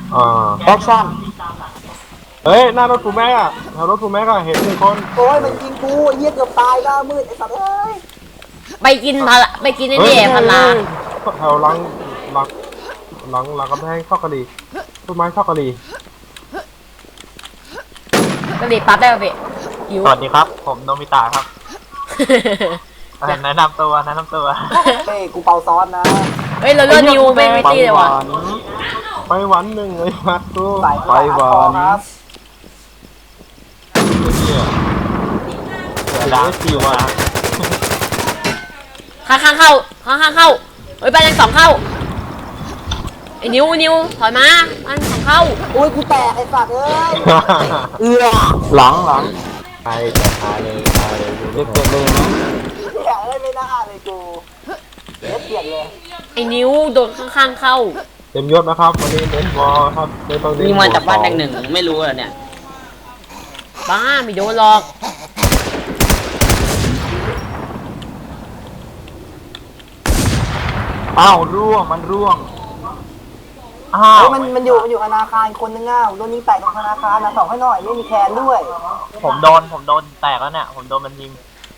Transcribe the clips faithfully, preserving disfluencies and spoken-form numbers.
อ่าแอคชั่นเฮ้ยหน้ารถกูแม็กอะแถวรถกูแม็กอะเห็นหนึ่งคนโอ้ยมันยิงกูไอ้เหี้ยเกือบตายหน้ามืดไอ้สัตว์เอ้ยไปกินพาราไปกินไอ้เฮ้ยนี่พาราแถวหลังหลังหลังหลังกำแพงชอบกะหรี่ต้นไม้ชอบกะหรี่ก็รีบปั๊บได้ป่ะพี่หิวสวัสดีครับผมโนมิตะครับเอ่อแนะนำตัวแนะนำตัวเฮ้ยกูเป่าซ้อนนะเฮ้ยเราเลือกนิวไม่ไม่ตีเลยว่ะไปหวันหนึ่งเลยมาตูสายไปหวันครับเสือดาวคิวมาข้างข้างเข้าข้างข้างเข้าเฮ้ยไปยังสองเข้าไอ้นิวนิวถอยมาอันสองเข้าโอ้ยกูแตกไอ้สัตว์เอ้ยเอือหลังหลังไปจะพาเลยพาเลยเด็กเกิดเลยนะเหี้ยเอ้ยไม่น่าเลยกูเด็ดเกลียดเลยไอ้นิวโดนข้างข้างเข้าเต็มยศนะครับวันนี้เน้นบอลครับไม่ต้องเน้นนี่มาจากบ้านแดงหนึ่งไม่รู้เหรอเนี่ยบ้าไม่โดนหรอกอ้าวร่วงมันร่วงอ้าเฮ้วยมันมันอยู่มันอยู่ธนาคารคนนึงอ่ะโดนยิงแตกตรงธนาคารนะส่องให้หน่อยไม่มีแคนด้วยผมโดนผมโดนแตกแล้วเนี่ยผมโดนมันยิง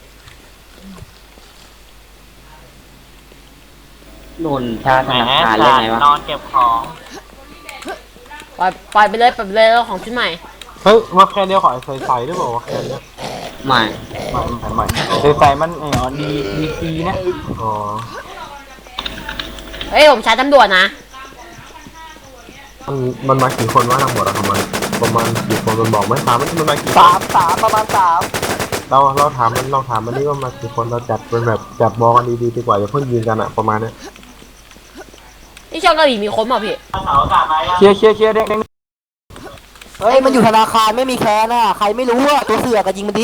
โดนชาแหธมนาคารเลยไงวะนอนเก็บของปล่อยปล่อยไปเลยปล่อยไปเลยแล้วของชุดใหม่เฮ้ยมาแค่เดียวขอใส่ใส่ได้บอกว่าแค่เนี้ยไม่ใหม่ใหม่ใหม่ใส่ใส่มันเออดีดีซีนะอ๋อเฮ้ยผมใช้ตำรวจนะมันมันมากี่คนวะทั้งหมดอะประมาณประมาณกี่คนมันบอกไหมถามมันมันมากี่คนสามสามประมาณสามเราเราถามมันเราถามมันนี่ว่ามากี่คนเราจัดเป็นแบบจัดมองกันดีๆดีกว่าอย่าเพิ่งยืนกันอะประมาณเนี้ยที่ช่องเกาหลีมีคนเปล่าพี่เคลียร์เคลียร์เคลียร์เด็กเด็กเฮ้ยมันอยู่ธนาคารไม่มีแคนอ่ะใครไม่รู้อ่ะตัวเสือกอะยิงมันดิ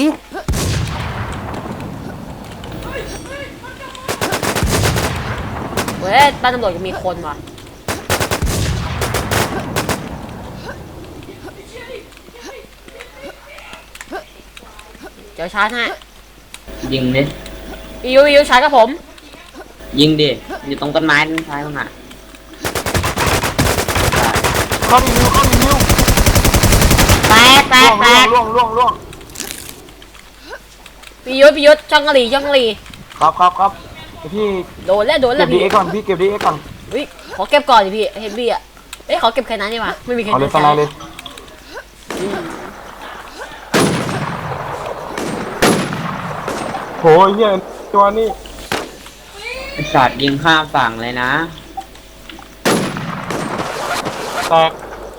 เฮ้ยบ้านตำรวจยังมีคนว่ะเดี๋ยวชาร์จให้ยิงดิพี่ยูพี่ยูชาร์จกับผมยิงดิอยู่ตรงต้นไม้ต้นท้ายมันอ่ะเข้าดีนิวเข้าดีนิวแตกแตกแตกล่วงล่วงล่วงพี่ยุทธพี่ยุทธช่องกะหรี่ช่องกะหรี่ครับครับครับพี่โดนแล้วโดนแล้เก็วบดีพี่เอ็กก่อนพี่เก็บดีเอ็กก่อนเฮ้ยขอเก็บก่อนดิพี่เฮฟวี่อ่ะเอ้ยขอเก็บแค่นั้นดีกว่าไม่มีใครเอาเลยสใช้ไลด์เลยโหเฮียตัวนี้ไอ้สัตว์ยิงข้ามฝั่งเลยนะแตก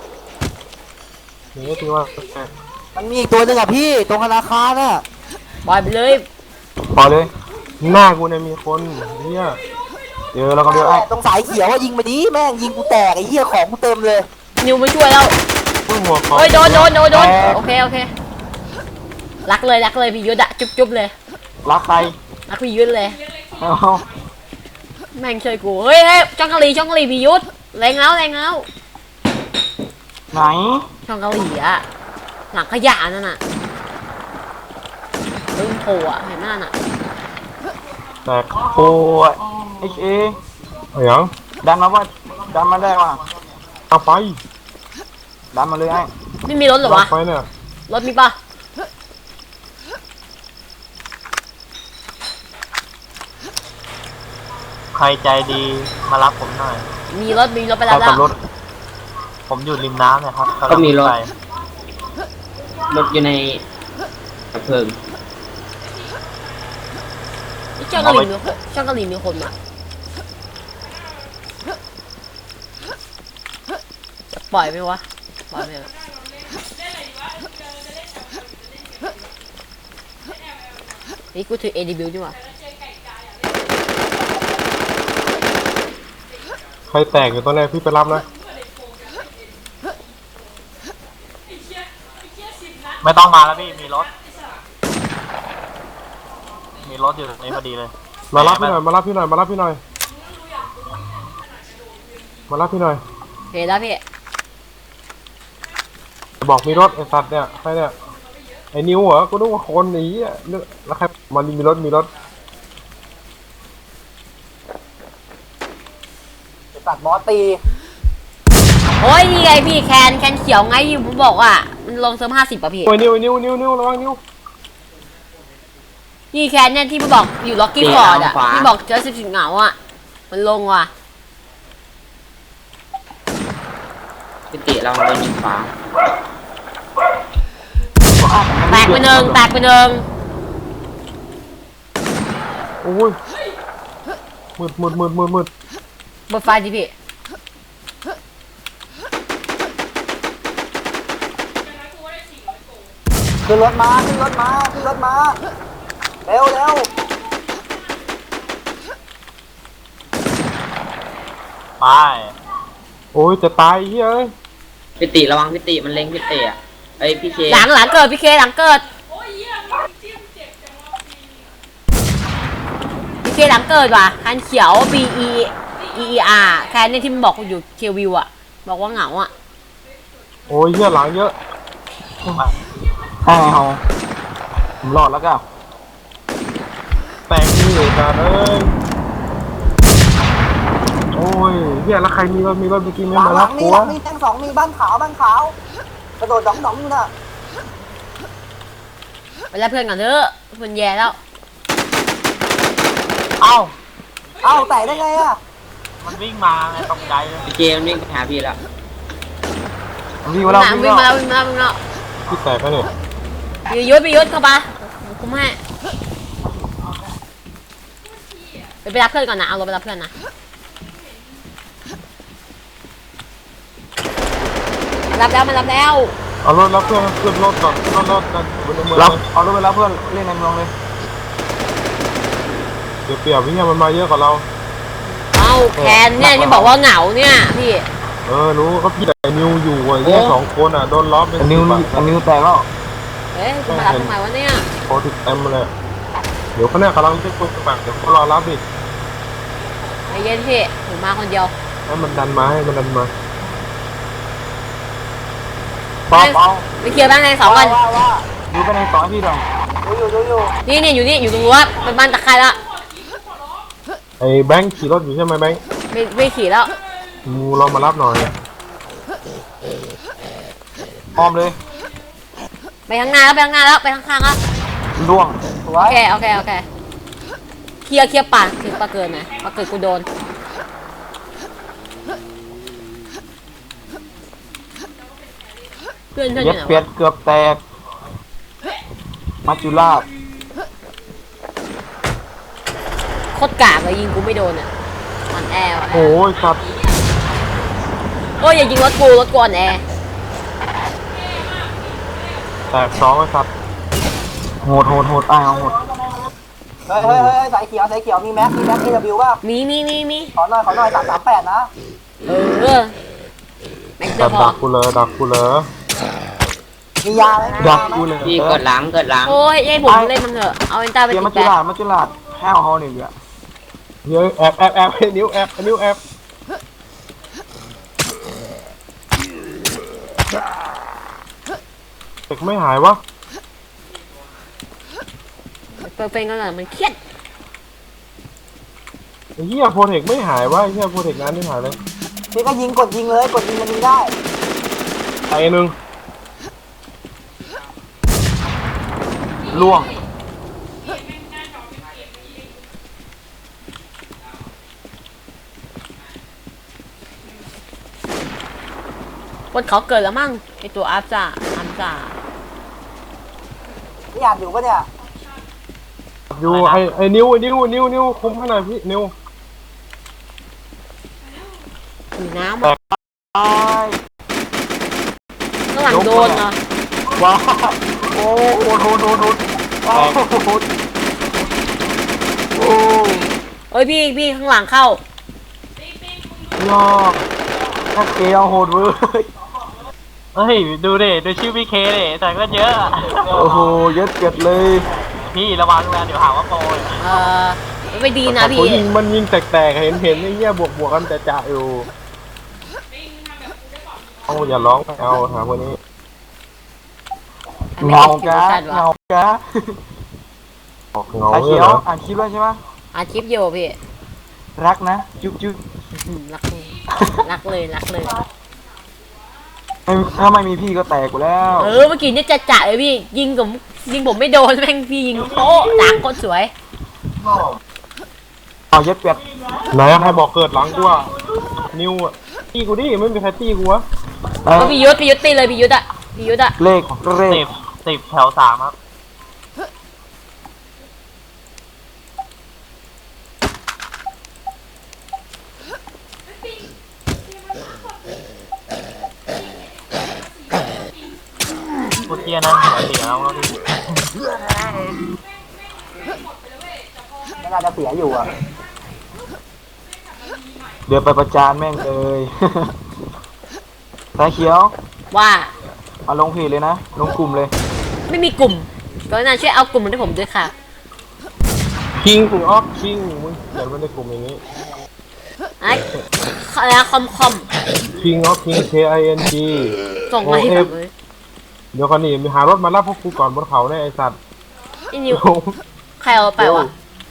นี่ก็คือว่าแตกมันมีอีกตัวหนึงอ่ะพี่ตรงธนาคารอ่ะปล่อยไปเลยพอเลยหน้ากูเนี่ยมีคนเฮียเจอแล้วก็เดี๋ยวไอ้ตรงสายเขียวว่ายิงมาดิแม่งยิงกูแตกไอ้เหี้ยของกูเต็มเลยนิวมาช่วยแล้วพึ่งหัวขอเฮ้ยโดนโดนโดนโดนโอเคโอเครักเลยรักเลยพี่ยุทธอะจุ๊บจุ๊บเลยรักใครรักพี่ยุทธเลยเอาแม่งช่วยกูเฮ้ยเฮ้ยช่องกะหรี่ช่องกะหรี่พี่ยุทธแรงแล้วแรงแล้วไหนช่องเกาหลีอะหลังขยะนั่นน่ะลืมโผล่อะเห็นหน้าน่ะแตกโอ้ยเอชเอเอาอย่างดันมาว่าดันมาได้ว่ะเอาไปดันมาเลยไอ้ไม่มีรถเหรอวะไปเนี่ยรถมีปะใครใจดีมารับผมหน่อยมีรถมีรถไปเอาแล้วกับรถผมอยู่ริมน้ำเนี่ยครับก็มีรถไปรถอยู่ในกระเพลิงนี่ช่องเกาหลีมีคนช่องเกาหลีมีคนมาจะปล่อยไหมวะปล่อยไหมวะนี่กูถือ เอ ดี บิวดีกว่าใครแตกอยู่ตอนแรกพี่ไปรับนะไม่ต้องมาแล้วพี่มีรถ มีรถอยู่ตรงนี้พอดีเลยมารับพี่หน่อยมารับพี่หน่อยมารับพี่หน่อยมารับพี่หน่อยเห็นแล้วพี่บอกมีรถไอ้สัตว์เนี่ยใครเนี่ยไอ้นิวเหรอกูนึกว่าคนหนีอ่ะนึกแล้วใครมันมีรถมีรถไอ้สัตว์บอสตีโอ้ยนี่ไงพี่แคนแคนเขียวไงที่ผมบอกว่ามันลงเซิร์ฟห้าสิบป่ะพี่โอ้ยนิ้วนิ้วนิ้วนิ้วระวังนิ้วนี่แคนเนี่ยที่มันบอกอยู่ล็อกกี้ฟอร์ดอ่ะที่บอกเจอสิบสิบเหงาอ่ะมันลงว่ะพี่ติเราโดนยิงฟ้าแตกไปหนึ่งแตกไปหนึ่งโอ้ยมืดมืดมืดมืดมืดเปิดไฟดิพี่ขึ้นรถมาขึ้นรถมาขึ้นรถมาเร็วเร็วไปโอ้ยจะตายเฮ้ยพี่ติระวังพี่ติมันเล็งพี่ติอ่ะเอ้ยพี่เคหลังหลังเกิดพี่เคหลังเกิดพี่เคหลังเกิดว่ะคันเขียว B E E E R แคนเนี่ยที่มันบอกอยู่เควิวอ่ะบอกว่าเหงาอ่ะโอ้ยเฮียหลังเยอะให้เอาผมรอดแล้วก็แตกนี่เลยจ้าเอ้ยโอ้ยเฮียแล้วใครมีรถมีรถเมื่อกี้ไม่มาหลัรังบมีกูหลัวะงมีแท่งสองมีบ้านขาวบ้านขาวกระโดดดองดองอยู่น่ะไปแล้วเพื่อนก่อนเถอะเพื่อนแย่แล้วเอ้าเอ้าแต่ได้ไงอ่ะมันวิ่งมาไงตกใจเลยพี่เคมันวิ่งไปหาพี่แล้ววิ่งวิ่มาง แล้วมาวิ่งวิ่งมามาแล้วแล้ววิ่งมาแล้ววิ่งมาแล้วพี่แตกไปเนี่ยพี่ยุทธพี่ยุทธเข้ามาคุ้มให้ไปไปรับเพื่อนก่อนนะเอารถไปรับเพื่อนนะรับแล้วมารับแล้วเอารถรับเพื่อนขึ้นรถก่อนขึ้นรถกันบนในเมืองรับเลยเอารถไปรับเพื่อนเล่นในเมืองเลยเดี๋ยวเปรียบพี่มันมาเยอะกว่าเราเอาแคนเนี่ยที่บอกว่าเหงาเนี่ยพี่เออรู้ก็พี่แต่นิวอยู่ไอ้เนี่ยสองคนอ่ะโดนล้อมเป็นนิวสิบอะนิวแตกแล้วเฮ้ยคุณมารับทำไมวะเนี่ยโคติดเต็มเลยเดี๋ยวเขาเนี่ยกำลังจะคุยกันเดี๋ยวเขารอรับดิไอ้เย็นพี่ผมมาคนเดียวให้มันดันมาให้มันดันมาปอปอไปเคลียร์บ้านในสองก่อนว่าว่าดูไปในซอยพี่หน่อยดูอยู่ดูอยู่นี่นี่อยู่นี่อยู่ตรงรั้วเป็นบ้านตะไคร้ละไอ้แบงค์ขี่รถอยู่ใช่ไหมแบงค์ไม่ไม่ขี่แล้วมูเรามารับหน่อยอ้อมเลยไปข้างหน้าแล้วไปข้างหน้าแล้วไปข้างๆแล้วล่วงสวโอย เคโอเคโอเคเคลียร์เคลียร์ป่าเคลียร์ป่าเกินนะป่าเกินกูโดนเพื่อนเพื่อนอเย็ยู่ดไหนเปียวะดเกือบแตกมัจจุราชโคตรกากเลยยิงกูไม่โดนอ่ะอ่อนแอว่ะโอ้ยสัตว์โอ้ยอย่ายิงรถกูรถกูอ่อนแอแตกสองไอ้สัตว์โหดโหดโหดอ้าวโหดเฮ้ยเฮ้ยเฮ้ยสายเขียวสายเขียวมีแม็กมีแม็กเอวป่ะมีมีมีมีขอหน่อยขอหน่อยสามสามแปดนะเออแม็กเตอดัร์กพอดักกูเลยดักกูเลยมียาไหมดักกูเลยพี่เกิดหลังเกิดหลังโอ้ยให้ผมเล่นมันเถอะเอาเอนต้าไปเดี๋ยวติมัดจจุแป๊ราชมัจจุราชแห้วเขาเนี่ยเดี๋ยวเฮ้ยแอบแอบแอบให้นิ้วแอบนิ้วแอบเด็กไม่หายวะเปิดเป็นกันหน่อยมันเครียดไอ้เหี้ยโปรเทคไม่หายวะไอ้เหี้ยโปรเทคงานไม่หายเลยพี่ก็ยิงกดยิงเลยกดยิงมันยิงได้ไอ้หนึ่งล่วงบนเขาเกิดแล้วมั่งไอตัวอัพจ่าอัพจ่านี่อ่านอยู่ปะเนี่ยอยู่ไอ้ไอ้นิ้วไอ้นิ้วนิ้วนิ้วคุมให้หน่อยพี่นิ้วถือน้ำแตกตายข้างหลังโดนเนาะว้าวโอ้โหโหดโหดโหดโอ้โหโอ้เฮ้ยพี่พี่ข้างหลังเข้ายอกนักเกลียวโหดเว้ยเฮ้ยดูดิดูชื่อพี่เคดิแต่ก็เยอะอะโอ้โหเย็ดเกิดเลยพี่ระวังนะเดี๋ยวหาว่าโปรยเออไม่ดีนะโอ้พี่ยิงมันยิงแตกๆเห็นเห็นไอ้เหี้ยบวกบวกกันแต่จ่าอยู่เอาอย่าร้องเอาหาคนนี้เงากะเงากะออกเงาสายเลเขียยวเหรออ่านคลิปแล้วใช่ไหมอาชีพอยู่พี่รักนะ จุ๊บจุ๊บอืมรักเลยรักเลยรักเลยไม่ถ้าไม่มีพี่ก็แตกกูแล้วเออเมื่อกี้เนี่ยจะจ่าเลยพี่ยิงผมยิงผมไม่โดนแม่งพี่ยิงโป๊ะด่างโคตรสวยเอาเย็ดเป็ดไหนอะใครบอกเกิดหลังกูอะนิวอะตีกูดิไม่มีใครตีกูวะเอ้ก็ยพี่ยุทธพี่ยุทธตีเลยพี่ยุทธอะพี่ยุทธอะเลขเลสิขบสิบแถวสามครับพูดเทียนะหัวเสียแล้วครับพี่ไม่น่าจะเสียอยู่อ่ะเดี๋ยวไปประจานแม่งเลยสายเขียวว่ามาลงเพจเลยนะลงกลุ่มเลยไม่มีกลุ่มก็น่าช่วยเอากลุ่มมาให้ผมด้วยค่ะคิงออฟคิงมึงเขียนไว้ในกลุ่มอย่างนี้ไอ้อะไรนะคอมคอมคิงออฟคิง K I N G ส่งมาให้ผมเลยเดี๋ยวคนนี้มีหารถมารับพวกกูก่อนบนเขาเนี่ยไอสัตว์ไอ้นิวใครเอาไปวะ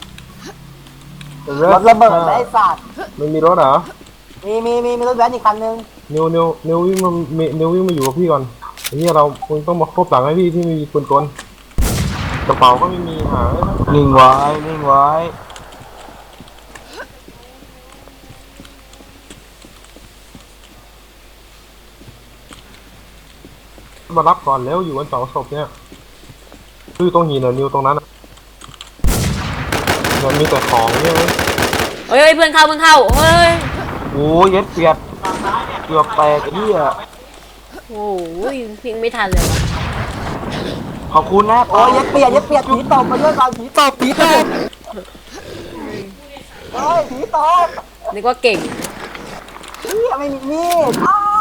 รถระเบิดไอ้สัตว์ไม่มีรถเหรอมีมีมีมีรถแว้นอีกคันนึงนิวนิวนิววิ่งมามีนิววิ่งมาอยู่กับพี่ก่อนไอ้เหี้ยเราคงต้องมาครบหลังให้พี่ที่มีปืนกลกระเป๋าก็ไม่มีหานิ่งไว้นิ่งไว้มารับก่อนแล้วอยู่กันสองศพเนี่ยคือตรงหินเหรอนิวตรงนั้นอะมันมีแต่ของเนี่ยเว้ยเฮ้ยเฮ้ยเพื่อนเข้าเพื่อนเข้าเฮ้ยโอ้ยเย็ดเปียดเกือบแตกไอ้เหี้ยโอ้ยพิงไม่ทันเลยว่ะขอบคุณนะโอ้ยเย็ดเปียดเย็ดเปียดผีตบมาด้วยก่อนผีตบผีตบเฮ้ยผีตบนึกว่าเก่งเหี้ยไม่มีมีดอ้าว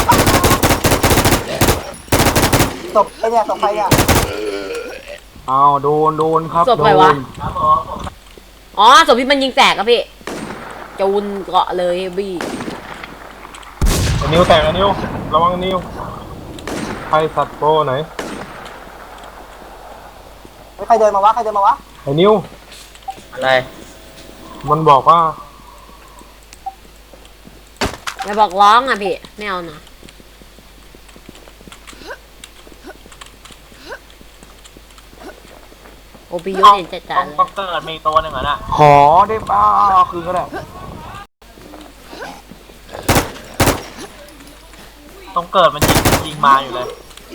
ตบไอ้เนี่ยตบใครเนี่ยอ้าวโดนโดนครับศพใครวะโดนอ๋อศพที่มันยิงแตกอะพี่จูนเกาะเลยบี้ไอ้นิวแตกไอ้นิวระวังนิวใครสัตว์โปรไหนใครเดินมาวะใครเดินมาวะไอ้นิวอะไรมันบอกว่าไม่บอกร้องอะพี่ไม่เอานะโอปิยุทธเห็นจัดต้ๆองเลยต้องเกิดมีตัวหนึ่งเหรอน่ะขอได้ป่าคืนก็ได้ต้องเกิดมันยิงยิงมาอยู่เลย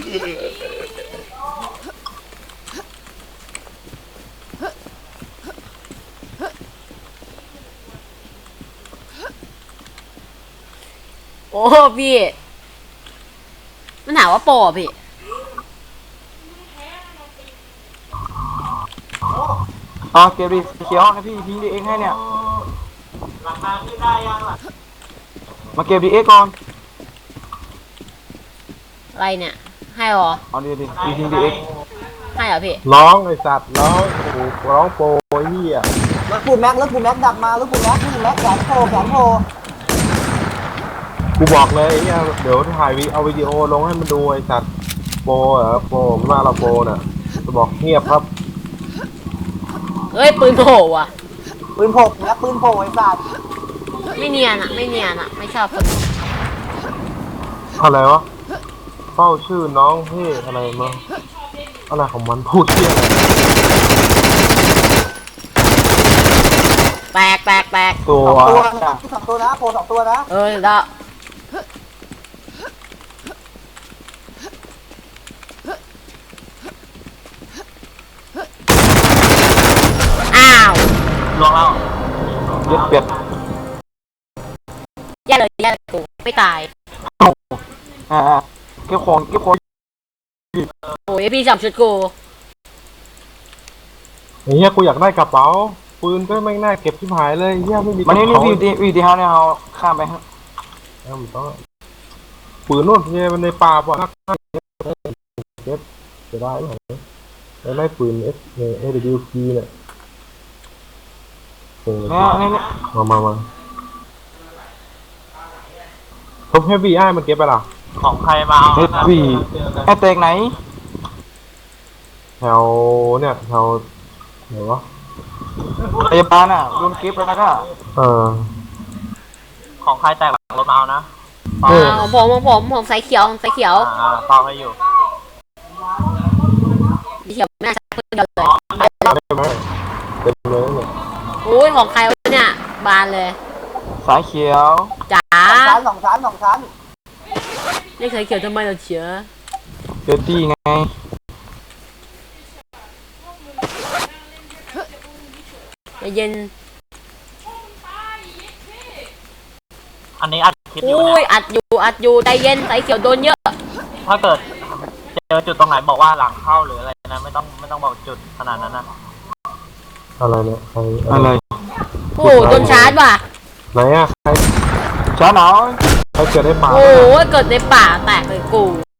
โอ้พี่มันถามว่าโปรอะพี่อ๋อเก็บดิเขียวให้พี่ทิ้งดีเอ็กให้เนี่ยราคาขึ้นได้ยังล่ะมาเก็บดีเอ็กก่อนอะไรเนี่ยให้หรอเอาดีดิพี่ทิ้งดีเอ็กให้เหรอพี่ร้องไอ้สัตว์ร้องโอ้โหร้องโปรไอ้เหี้ยรถปูแม็กรถปูแม็กดักมารถปูแม็กรถปูแม็กแขนโผล่แขนโผล่กูบอกเลยไอ้เหี้ยเดี๋ยวถ่ายวิเอาวิดีโอลงให้มันดูไอ้สัตว์โปรเหรอโปรผมว่าเราโปรน่ะจะบอกเงียบครับเฮ้ยปืนโผล่อะปืนโผล่แม็กปืนโผล่ไอ้สัตว์ไม่เนียนอะไม่เนียนอะไม่ชอบคนอะไรวะเฝ้าชื่อน้องเฮ้อะไรมาอะไรของมันพูดเที่ยอะไรแตกแตกแตกตัวสองตัวนะสองตัวนะโผล่สองตัวนะเออแล้วอ้าวลวงแล้วเย็ดเป็ดแย่เลยแย่เลยกูไม่ตายอ่าเก็บของเก็บของโอ้ยพี่จับชุดกูไอ้เหี้ยกูอยากได้กระเป๋าปืนก็ไม่น่าเก็บที่หายเลยเหี้ยไม่มีมันนี่นี่กระวิวเป๋าดีวิวดีเฮาเนี่ยเอาข้ามไปฮะเอ้ามันต้องปืนนู่นเหี้ยมันในป่าป่ะเก็บจะได้ไหมแล้วได้ปืนเอสเอเดบิวพีเนี่ยเออเนี่ยเนี่ยเนี่ยมามามาพบเฮฟวี่ไอ้มันเก็บไปล่ะของใครมาเอาเฮดวีไอ้แตกไหนแถวเนี่ยแถวไหนวะพยาบาลอ่ะโดนเก็บแล้วนะก็เออของใครแตกหลังรถมาเอานะเฝ้าอ่าของผมของผมผมสายเขียวผมสายเขียวอ่าเฝ้าให้อยู่สีเขียวไม่น่าจะเดียวเลยได้ไหมเต็มเลยเนี่ยอุ้ยของใครวะเนี่ยบานเลยสายเขียวจ๋าชั้นสองชั้นสองชั้นนี่เคยเขียวทำไมเราเชียเจอตี้ไงใจเย็นอันนี้อัดคลิปอยู่อุ้เนี่ย ยอัดอยู่อัดอยู่ใจเย็นสายเขียวโดนเยอะถ้าเกิดเจอจุดตรงไหนบอกว่าหลังเข้าหรืออะไรนะไม่ต้องไม่ต้องบอกจุดขนาดนั้นนะอะไรเนี่ยใครอะไรโอ้โหโดนชาร์จว่ะไหนอะใครช้าหน่อยใครเกิดได้ป่าโอ้โหเกิดในป่าแตกเลยกู